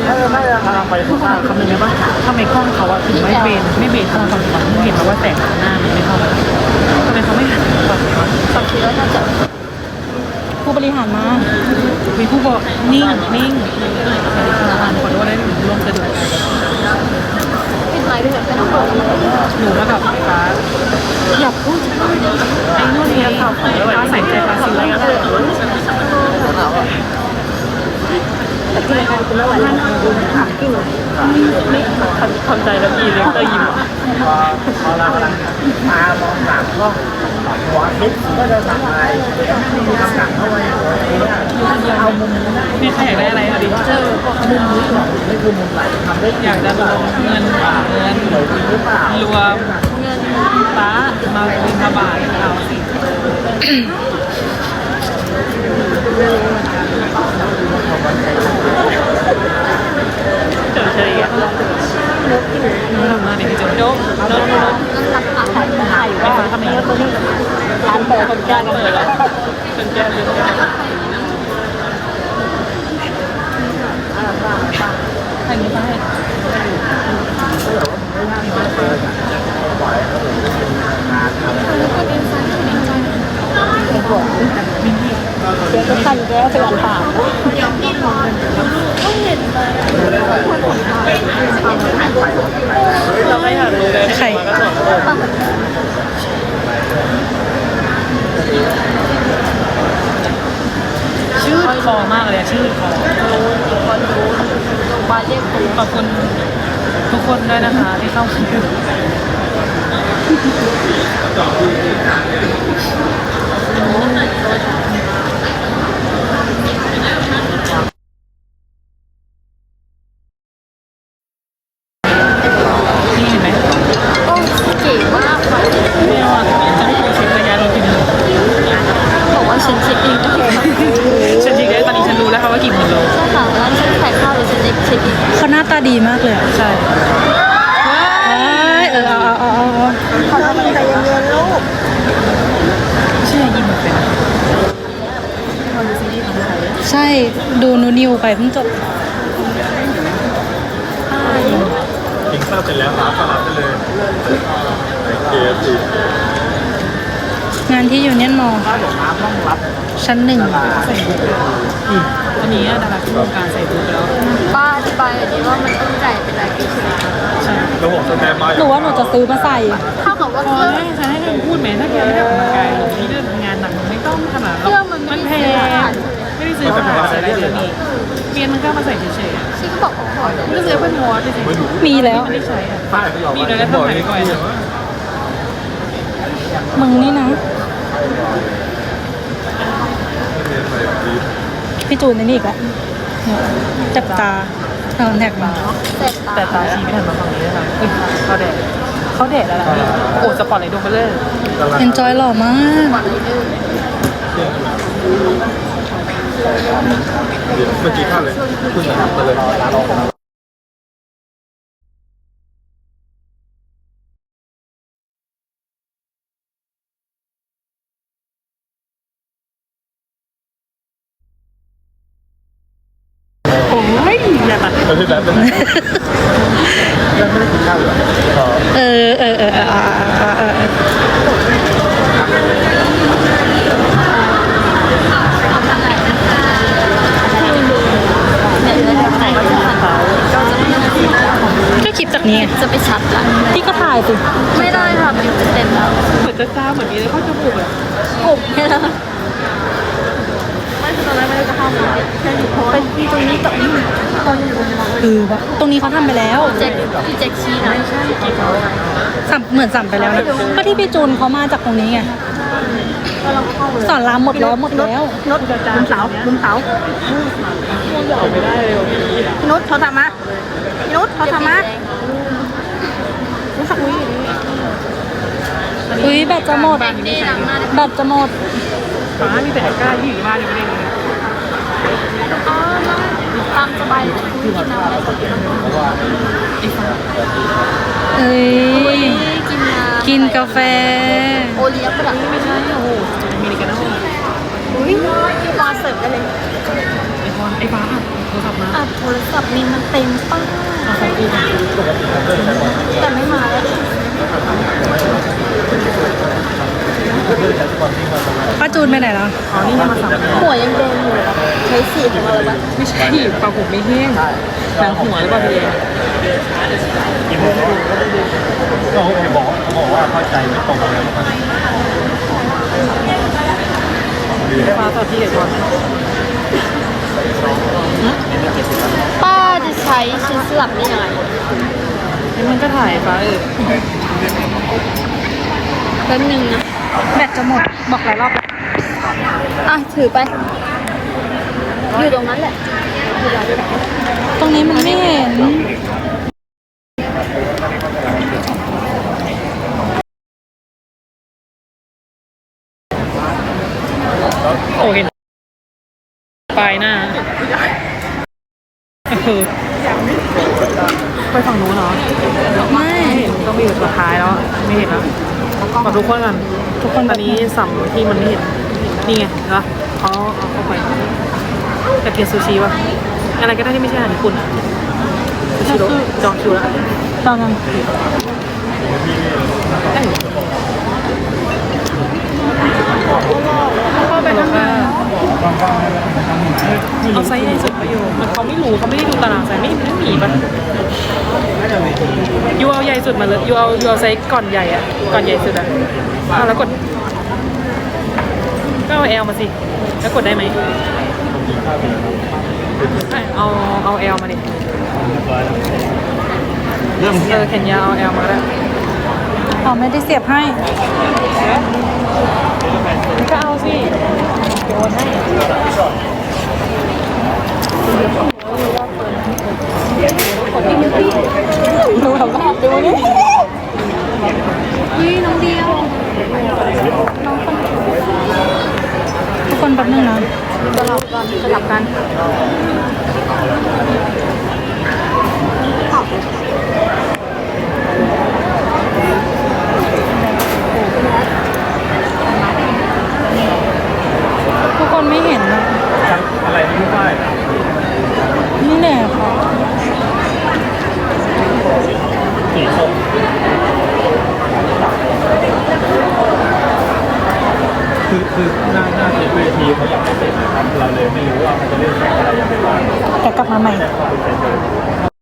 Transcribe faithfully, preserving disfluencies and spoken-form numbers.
กำลังไปข้างล่างคำนึงได้ปะทำไมกล้องเขาอะถึงไม่เบนไม่เบนเข้ามาฝั่งขวาเห็นไหมว่าแสงหน้ามันไม่เข้ามาทำไมเขาไม่หันฝั่งขวาสักทีแล้วน่าจะผู้บริหารมามีผู้บอกนิ่งนิ่งขอโทษได้ร่วมสะดวกปิดไลน์ด้วยไม่ต้องเปิดหนูมากับไฟฟ้าอยากพูดไอ้นู่นนี่ข่าวของฟ้าใส่ใจฟ้าสิอะไรกันเลยแต่ที่รายการคุณไม่ไหวแล้วดูหากิ้งไม่ทำใจแล้วอีเลยก็ยิ้มพอเรามามองหลังก็หัวคิดก็จะสั่งอะไรมีคำสั่งเข้าไปเอามุมนี่ใครอยากได้อะไรอ่ะดิเจอมุมนี้ก่อนไม่คือมุมไหนทำได้อยากจะลงเงินเงินหรือเปล่ารวมเงินฟ้ามาบินบาทเอาสิเจอเฉยอ่ะน้องทำมาเด็กจุ๊บโจ๊กโจ๊กโจ๊กรักอาหารไทยว่าทำไมเยอะตัวนี้ร้านเปิดคนแก่เปิดแล้วเป็นแก้วเป็นแก้วใครมีป้ายเป็นหัวเดี๋ยวจะขันแก้วไปอ่านข่าวเราไม่หันเลยใครชื่อคอมากเลยชื่อคอคนรู้บาเรียกคุณขอบคุณทุกคนด้วยนะคะที่เข้ามาดูนี่เห็นไหมโอ้เก๋มากค่ะไม่เอาอ่ะจะให้กูเช็คระยะรถทีนึงบอกว่าฉันเช็คเองก็เห็นฉันจริงๆตอนนี้ฉันรู้แล้วค่ะว่ากี่หมื่นโลใช่ค่ะร้านฉันขายข้าวเลยฉันเช็คเช็คเองเขาหน้าตาดีมากเลยอ่ะใช่เอ้ยเออเอาเอาเอาเอาเขาทำใจเย็นๆลูกไม่ใช่ยิมเป็นใช่ดูนูนิวไปเพิ่งจบกินข้าวเสร็จแล้วครับก็รับไปเลยเคฟซีงานที่ยูเนียนมอลล์ถ้าหลงน้ำต้องรับชั้นหนึ่งใส่บูทอืมตอนนี้ดาราที่วงการใส่บูทไปแล้วป้าอธิบายอันนี้ว่ามันต้องจ่ายเป็นรายปีใช่ไหมใช่แล้วผมสแตนบายหนูว่าหนูจะซื้อมาใส่เท่ากับว่าพเคอรื่องให้ฉันให้เธอพูดไหมถ้าแกไม่ได้ออกกำลังกายนี่เรื่องงานหนักมันไม่ต้องขนาดเครื่องมันไม่มันแพได้ซื้อผ่านงไม่ได้ซื้อมาใส่ได้เลยนี่เปลี่ยนมันก็มาใส่เฉยๆอ่ะฉันก็บอกเขาขอเลยไม่ได้ซื้อเพื่อนมอสเฉยๆมีแล้วไม่ได้ใช้อ่ะป้ายเขาบอกมีเลยแล้วทำไมไม่ก่อนมึงนี่นะ พี่จูนนี่อีกแล้วเนี่ยจับตาเอาแท็กมาเสร็จแต่ตาชี้ไม่ทันมาฝั่งนี้เลยค่ะอุ้ยเขาแดดเขาแดดแล้วล่ะพี่โอ้สปอร์ตเลยดูไปเลยเอนจอยหล่อมากก่อนเลยดื้อเมื่อกี้ข้าวเลยคุณจะทำไปเลยโอ้ยอย่าตัดแล้วพี่แบ๊บเป็นไงยังไม่ได้กินข้าวเหรออ๋อเออเออเออเออเออเออเออเนี่ยเลยทำไหนก็จะหันก็จะไม่ก็คลิปจากนี้ไงจะไปชัดละพี่ก็ถ่ายสิไม่ได้ค่ะมันจะเต็มแล้วเหมือนจะจ้าเหมือนมีอะไรเข้าจมูกอ่ะกบแค่นั้นไม่คือตอนแรกไม่ได้จะเข้ามาแค่อยู่โพสเป็นที่ตรงนี้กับนี่ตอนอยู่ตรงนี้เออวะตรงนี้เขาทำไปแล้วเจ็คพี่เจ็คชี้นะใช่กี่เขาสัมเหมือนสัมไปแล้วนะก็ที่พี่จูนเขามาจากตรงนี้ไงก็เราเข้าเลยสอนรามหมดแล้วหมดแล้วนดมุมเสามุมเสาไม่ได้เลยพี่พี่นุชเขาทำมาพี่นุชเขาทำมารู้สักวิอุ้ยแบตจะหมดนี่หลังหน้าแบตจะหมดฟ้ามีแต่กล้าที่อยู่บ้านยังไม่ได้เลยอ๋อตามสบายคุยกินน้ำอะไรสักอย่างเอ้ยกินน้ำกินกาแฟโอเลี้ยงประดับไม่ใช่โอ้โหมีอะไรกันนะอุ้ยมาเสิร์ฟได้เลยไอพรไอฟ้าโทรศัพท์มาอ่ะกับโทรศัพท์มีมันเต็มป้าแต่ไม่มาแล้วป้าจูนไปไหนแล้วอ๋อนี่มาสั่งหัวยังแดงอยู่เลยครับใช้สีของเราเลยปะไม่ใช่ปลาผมไม่แห้งหนังหัวหรือเปล่าพี่กินไม่ได้ก็โอเคบอกบอกว่าเข้าใจไม่ตรงเลยฟ้าต่อที่เด็ดก่อนป้าจะใช้ชิ้นสลับนี่ยังไงนี่มันก็ถ่ายฟ้าเออแป๊บนึงนะแบตจะหมด บอกหลายรอบแล้วอ่ะถือไป อยู่ตรงนั้นแหละตรงนี้มันไม่เห็นโอ้เห็นปลายหน้าเออไปฝั่งนู้นเหรอไม่ต้องไปอยู่สุดท้ายแล้วไม่เห็นแล้วขอทุกคนกันทุกคนตอนนี้สัมที่มันไม่เห็นนี่ไงเหรอเขาเอาเข้าไปอยากกินซูชิวะอะไรก็ได้ที่ไม่ใช่อาหารญี่ปุ่นอะซูชิโร่จองคิวแล้วตอนนั้นได้อยู่เข้าไปข้างในเอาไซส์ใหญ่สุดไปอยู่มันเขาไม่รู้เขาไม่ได้ดูตารางไซส์ไม่ไม่มีปะยูเอาใหญ่สุดมาเลยยูเอายูเอาไซส์ก่อนใหญ่อะก่อนใหญ่สุดอะอ่ะแล้วกดก็เอาแอลมาสิแล้วกดได้ไหมเอาเอาแอลมาดิเริ่มเออแขนยาวเอาแอลมาก็ได้อ๋อไม่ได้เสียบให้ก็เอาสิโยนให้ดูทำหน้าดูนี่อุ้ยน้องเดียวทุกคนแป๊บนึงนะสลับกันสลับกันทุกคนไม่เห็นนะอะไรที่ไม่ได้นี่แหละค่ะสีส้มคือคือหน้าหน้าเวทีเขาอยากให้เสร็จนะครับเราเลยไม่รู้ว่าเขาจะเล่นอะไรยังไงบ้างแต่กลับมาใหม่แต่เขาเป็น